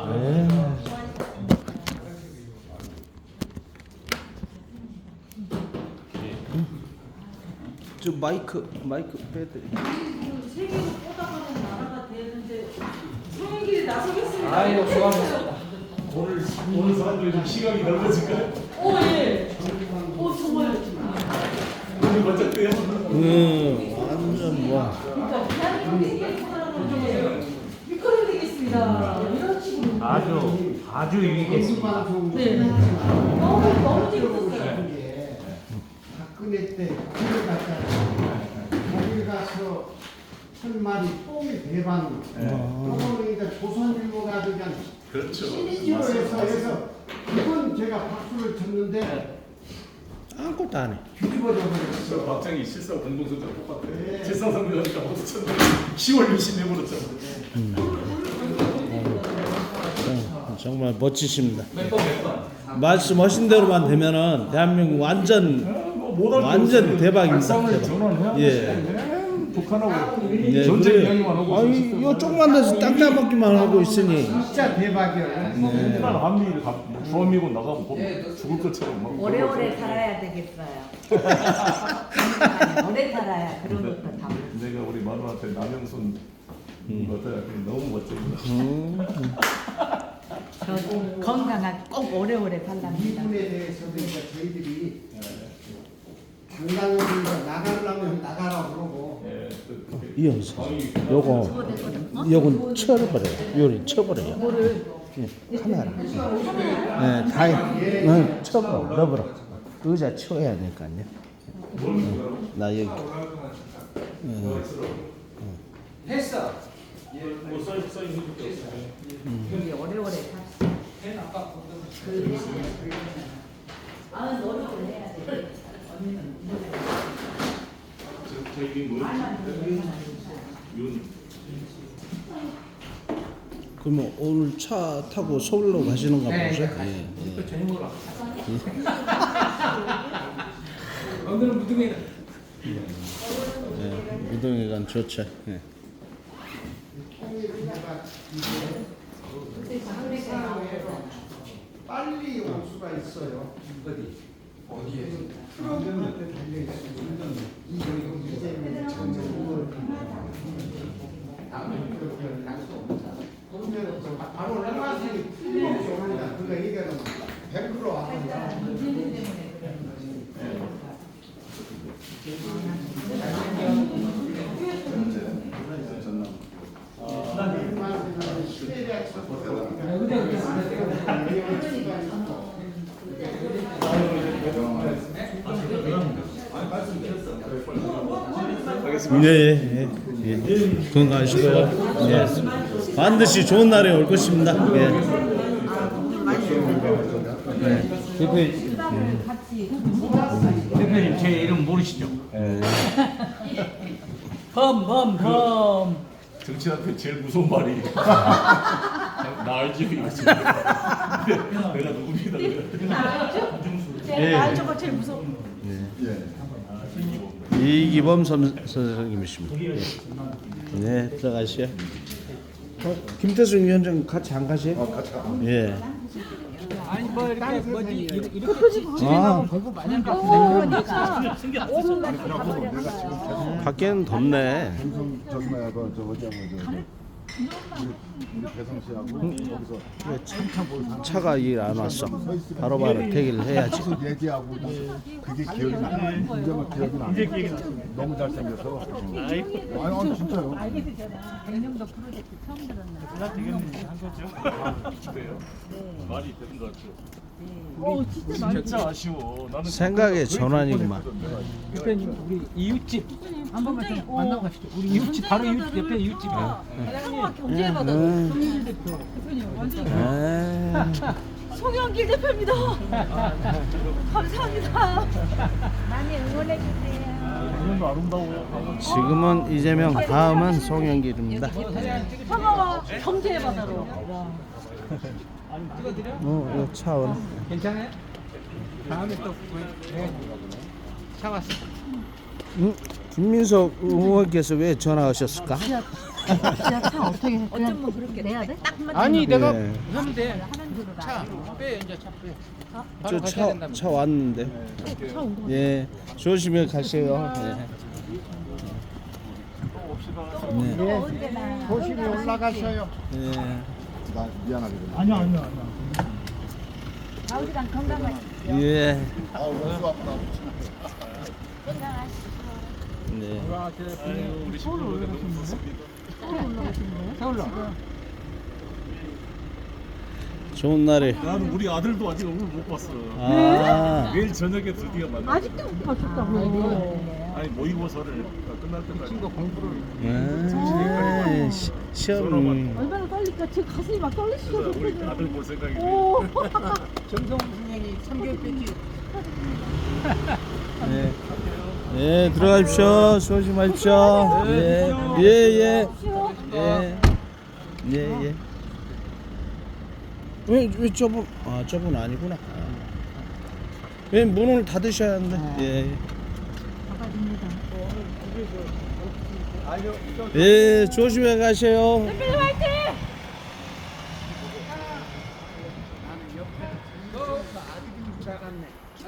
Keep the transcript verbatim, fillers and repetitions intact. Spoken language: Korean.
네. 저 마이크 마이크 빼드리. 세계로 뻗어가는 나라가 되는데 성인길에 나서겠습니다. 아이고 수고하셨습니다. 오늘 오늘 사람들이 좀 시각이 넓어질까요? 오 예. 오 정말. 오늘 먼저 떼요. 음, 완전 뭐. 그러니까 대한민국에 뻗어가는 미끄러 되겠습니다. 이런 식으로. 아주 아주 유익 있습니다. 네. 너무 너무 재밌었어요. 박근혜 때 거기 갔잖아요. 거기 가서 천마리 뽕이 대박. 그거는 이제 조선일보가 그냥 그렇죠. 시리즈로 해서 해서 이건 제가 박수를 쳤는데 아무것도 안 해. 뒤집어져 저 버렸어. 박정희 실사 공동선장 똑같아. 네. 실사 선배하니까 박수 쳤는데 시월 유신 내버렸잖아. 정- 정말 멋지십니다. 말씀하신 대로만 되면은 대한민국 완전 완전 대박입니다. 발상을 대박. 전환해야 예. 돼. 북한하고 예, 전쟁 그래. 이야기만 하고 아니 있었어. 이거 조금만 돼서 땅 따먹기만 하고 있으니. 진짜 대박이야. 맨날 한미일 가 주한미군 나가면 보면 죽을 것처럼 막. 오래오래 살아야 되겠어요. 오래 살아야 그런 것도 다. 내가 우리 마누라한테 남영순 어때? 너무 멋집니다. 음. 저 건강하게 꼭 오래오래 살랍니다. 이분에 대해서도 이제 저희들이 당당히 나가려면 나가라 그러고 예, 그- 그- 이영서 요거 요건 쳐버려요. 요리 쳐버려요. 예, 카메라. 예, 다 해. 응, 쳐버려. 넣어버려. 의자 치워야 되니까요. 응, 나 여기. 응. 했어. 우리 오래오래 삽시다. 아, 노력을 해야 돼. 저- 저기 뭐였지? 윤. 그러면 오늘 차 타고 서울로 가시는가 네, 보죠? 네, 예, 예. 또 저녁 먹으러 오늘은 무등에는 예, 무등회관 좋죠. 예. 빨리 올 수가 있어요. 어디? 어디에? 트럭한테 달려 있어요. 이재명 장관 그러면 저 바로 연락이 틀림없이 옵니다. 그러니까 이거는 백 퍼센트 왔습니다. 예, 예, 예. 예. 건강하시고요. 예. 반드시 좋은 날이 올 것입니다. 예. 예. 대표님, 대표님 제 이름 모르시죠? 험험 험. 정치한테 제일 무서운 말이 나 알지 이거 지금. 내가 누굽니다. 예. 알죠가 제일 무서워. 이기범 선, 선생님이십니다. 예. 네, 들어가시죠. 어, 김태승 위원장 같이 안 가세요? 어, 같이 가. 예. 아니 뭐 이렇게 뭐지 이렇게 아, 보고 마냥 밖에는 덥네. 저기 뭐야 그 저 어디야 뭐저 우리 배성 씨하고 거기서 차가 일 안 왔어. 바로바로 대기를 해야지. 계속 얘기하고 그게 기억이 나. 이제 막 기억이 나. 이제 기억이 나. 너무 잘생겨서. 아니 아니 진짜요. 백령도 프로젝트 처음 들었나요? 그래요? 말이 되는 것 같죠. 오 진짜 진짜 아쉬워. 나는 생각의 전환이구만. 대표님 우리 이웃집 한 번만 좀 만나고 가시죠. 우리 이웃집 바로 이웃집 옆에 이웃집. 한번밖에 언제 받아? 음. 대표님 완전 에이. 송영길 대표입니다. 감사합니다. 많이 응원해 주세요. 이름도 아름다워요. 지금은 이재명, 다음은 송영길입니다. 평화와 경제의 바다로. 와. 어, 이거 차원. 괜찮아요? 다음에 또 네. 차 왔어. 음, 김민석 의원께서 왜 전화하셨을까? 차 어떻게 해? 어쩌면 그렇게 내야 돼? 딱 맞. 아니 내가 예. 하면 돼. 하는 대로 차 나. 빼 이제 차 빼. 바로 저 가셔야 차 된다며. 차 왔는데. 예. 조심히 가세요. 예. 네. 언제나. 조심히 올라가셔요. 예. 나 미안하게 좀. 아니요 아니요 아니요. 아우지랑 건강하시고. 예. 아우 너무 아프다. 네. 우리 친구들 너무 좋습니다. 서울로. 좋은 날에. 나는 우리 아들도 아직 얼굴 못 봤어. 아. 내일 저녁에 드디어 만나. 아직도 못 봤었다고. 아니 모의고사를 끝날 때까지. 친구 공부를. 아, 시- 시험. 얼마나 떨릴까? 제 가슴이 막 떨리시죠. 우리 아들 볼 생각이 돼. 오. 정성훈 선생이 삼 개월 뺐지. 네. 예, 들어가십시오. 조심하십시오. 예, 예, 예. 예. 예, 예. 왜, 왜 저분, 아, 저분 아니구나. 왜 문을 닫으셔야 하는데. 예. 예, 조심해 가세요. 햇빛 화이팅! 너 아들인 줄 알았네.